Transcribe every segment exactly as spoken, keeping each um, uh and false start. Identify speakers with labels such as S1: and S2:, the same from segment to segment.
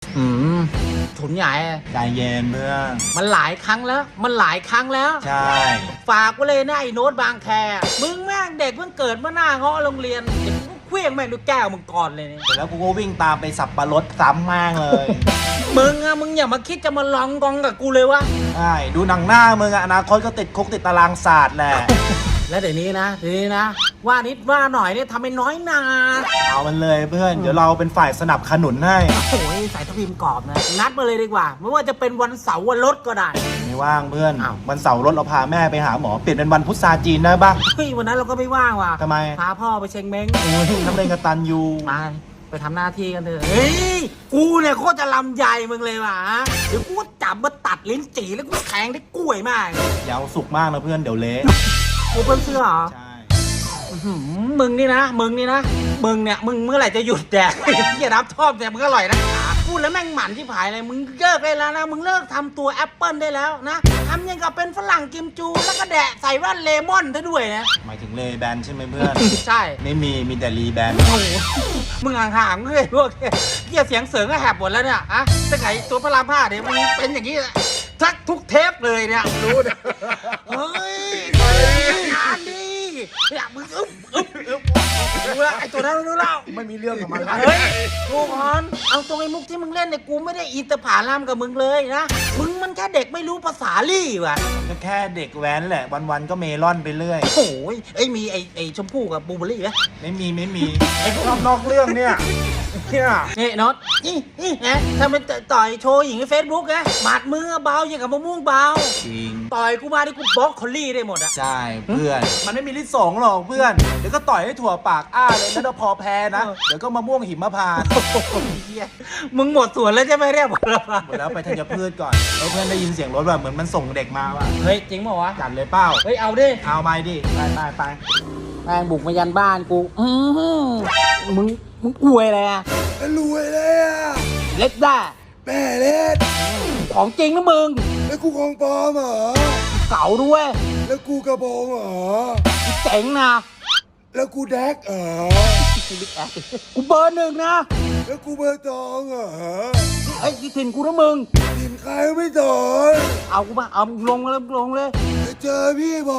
S1: อืมฉุนใหญ่
S2: ใจเย็นเพื่อน
S1: มันหลายครั้งแล้ว มันหลายครั้งแล้ว
S2: ใช่
S1: ฝากไว้เลยนะไอ้โน้ตบางแคมึงแม่งเด็กเพิ่งเกิดเมื่อหน้าเงาะโรงเรียนเด็กกูเคลี้ยงแม่งด้วยแก้วมึงก่อนเลยเนี่ย
S2: เสร็จแล้วกูก็วิ่งตามไปสับปะรดซ้ำมากเลย
S1: มึงอะมึงอย่ามาคิดจะมาลองกองกับกูเลยวะ
S2: ใช่ดูหนังหน้ามึงอะอนาคตก็ติดคุกติดตารางศาสตร์แหละ
S1: แล้วเดี๋ยวนี้นะเดี๋ยวนี้นะ ว่านิดว่าหน่อยเนี่ยทำให้น้อยนา
S2: เอามันเลยเพื่อนเดี๋ยวเราเป็นฝ่ายสนับสนุนให้
S1: โอ้ยใส่ทัพพิมกรอบนะนัดมาเลยดีกว่าไม่ว่าจะเป็นวันเสาร์วันรถก็ได้
S2: ไม่ว่างเพื่อน
S1: อ้าว
S2: วันเสาร์รถเราพาแม่ไปหาหมอเปลี่ยนเป็นวันพุทธาจีนได้ปะ
S1: เฮ้ยวันนั้นเราก็ไม่ว่างว่ะ
S2: ทำไม
S1: พาพ่อไปเชงเม้ง
S2: โอ้ยน้ำเล่นกตันยู
S1: มาไปทำหน้าที่กันเถอะเฮ้ยกูเนี่ยโคตรจะลำใหญ่มึงเลยว่ะเดี๋ยวกูจับมาตัดลิ้นจี่แล้วกูแทงได้กล้วยมาก
S2: อย่าเอาสุกมากนะเพื่อนเดี๋ยวเละ
S1: กูเพิ่นเสื้อเหรอ
S2: ใช่
S1: อื้อหือมึงนี่นะ มึงนี่นะ มึงเนี่ย มึงเมื่อไหร่จะหยุดแดก อย่ารับชอบแต่มึงอร่อยนะพูดแล้วแม่งหมันที่ผายเลย มึงเลิกได้แล้วนะ มึงเลิกทำตัวแอปเปิลได้แล้วนะทำยังกับเป็นฝรั่งกิมจู แล้วก็แดะใส่แว่นเลมอนซะด้วยนะ
S2: หมายถึงเลแบนใช่ไหมเพื่อน
S1: ใช่
S2: ไม่มีมีแต่รีแบน
S1: โอ้โหมึงห่างๆเลยพวกเกียเสียงเสริงก็แหบหมดแล้วเนี่ยอะตั้งไงตัวพระรามห้าเนี่ยมึงเป็นอย่างนี้แหละทักทุกเทปเลยเนี่ยรู้นะเฮ้ยงานดีเนี่ยมึงอึ๊บอึ๊บอึ๊บรู้แล้วไอ้ตัวนั้นรู้แล้ว
S2: ไม่มีเรื่องกับมันแล้ว
S1: เฮ้ยกูกอนเอาตรงไอ้มุกที่มึงเล่นเนี่ยกูไม่ได้อินเตอร์ผาลามกับมึงเลยนะมึงมันแค่เด็กไม่รู้ภาษาลี่ว่ะ
S2: ก็แค่เด็กแว้นแหละวันๆก็เมลอนไปเรื่อย
S1: โอ้ยไอ้ยมีไอ้ไอ้ชมพู่กับบูเบอรี่ไหม
S2: ไม่มีไม่มีไอ้พวกนอกเรื่องเนี่ยเนี่ย
S1: นี่น็อตนี่นี่ไงทำเป็นต่อยโชว์หญิงในเฟซบุ๊กไงบาดมือเบาอย่างกับมะม่วงเบา
S2: จริง
S1: ต่อยกูมาดิกูบล็อกคอลลี่ได้หมดอะ
S2: ใช่เพื่อน มันไม่มีลิสงหรอกเพื่อน เดี๋ยวก็ต่อยให้ถั่วปากอ้าเลยแล้วเดี๋ยวพอแพ้นะ เดี๋ยวก็มะม่วงหิมพานต์
S1: โอ้โหเหี้ยมึงหมดส่วนแล้วใช่ไหมเรียกหมดแล้ว
S2: หมดแล้วไปธัญพืชก่อนแล้วเพื่อนได้ยินเสียงรถแบบเหมือนมันส่งเด็กมาว่ะ
S1: เฮ้ยจริงเปล่าวะ
S2: จัดเลยเป้า
S1: เฮ้ยเอาดิ
S2: เอาไปดิไปไปไป
S1: แม่งบุกมายันบ้านกูอือหือมึงมึงอวยอะไรอะ
S2: รวยเลยอ่ะ
S1: เล็ดได้
S2: แม่เล็ด
S1: ของจริงนะมึง
S2: แล้วกูของปลอมเหรอ
S1: เก่าด้วย
S2: แล้วกูกระโปรงเหรอ
S1: เจ๋งนะ
S2: แล้วกูแดกเหรอ
S1: กูเบอร์หนึ่งนะ
S2: แล้วกูเบอร์ตองเหรอ
S1: เฮ้ยที่ถิ่นกูนะมึง
S2: ทีมใครไม่สอน
S1: เอากูมาเอาลงเลยลงเลย
S2: จะเจอพี่ผม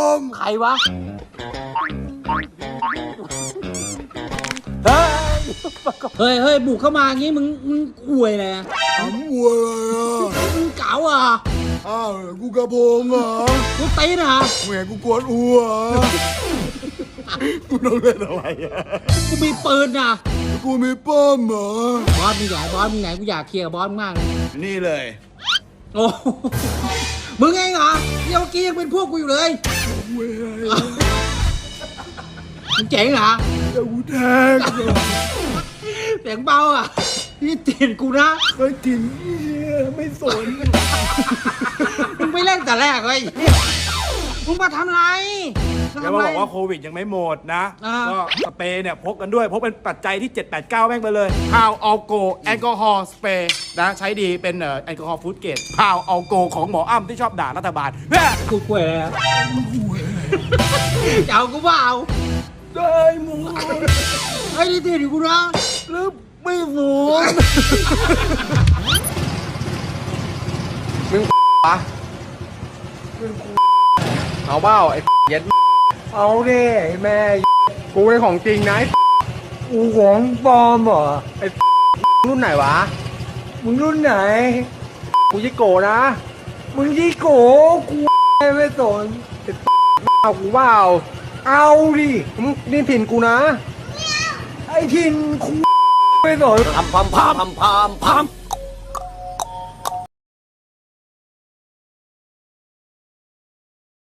S1: ใครวะ เฮ้ย เฮ้ยเฮ้ยบุกเข้ามาอย่างงี้มึงมึงอวยเลยอะ
S2: ผมวัวเลยอ่ะ
S1: มึงเก๋าอ่ะ
S2: อ้าวกูกระโปรงเหรอ
S1: กูตีนอ่ะ
S2: แหมกูกวนอัวกูต้องเล่นอะไรอ่ะ
S1: กูมีปืนอ่ะ
S2: กูมีป้อมเหรอบ
S1: อสมึงใหญ่บอสมึงไหนกูอยากเคลียร์กับบอสมึงมากเลย
S2: นี่เลย
S1: โอ้โหมึงเองเหรอเดี๋ยวเมื่อกี้ยังเป็นพวกกูอยู่เลย
S2: เว้ย
S1: มึงเจ๋งเหรอ
S2: เดี๋ยวกูแทง
S1: เสียงเบาอ่ะนี่ถิ่นกูนะ
S2: เคยกินเหี้ยไม่สน
S1: มึงไม่เล่นแต่แรกเลยมึงมาทำไร
S3: แล้วมาบอกว่าโควิดยังไม่หมดนะ
S1: อ่า
S3: ก็สเปรย์เนี่ยพกกันด้วย พกเป็นปัจจัยที่ เจ็ด แปด เก้า แม่งไปเลยพาวออลโกแอลกอฮอล์สเปรย์นะใช้ดีเป็นเอ่อแอลกอฮอล์ฟู้ดเกรดพาวออลโกของหมออ้ำที่ชอบด่ารัฐบาลแม่
S1: กูกล้วยเลยอะจะเอากูเปล่า
S2: ได้หมด
S1: ไอ้นี่ถิ่นกูนะ
S2: แล้วไม่หมด
S4: เอาเบ้าไอ้เย็ด
S2: เอาดิไอ้แม่
S4: กูเป็นของจริงนะไอ้
S2: กูของปลอมเหรอ
S4: รุ่นไหนวะ
S2: มึงรุ่นไหน
S4: กูยิโกะนะ
S2: มึงยี่โกกูไม่สน
S4: เอากูเบ้า
S2: เอาดิ
S4: มึงนี่ถิ่นกูนะ
S2: ไอ้ทินกูไม่สน
S1: พัมพัมพัมพัมพัม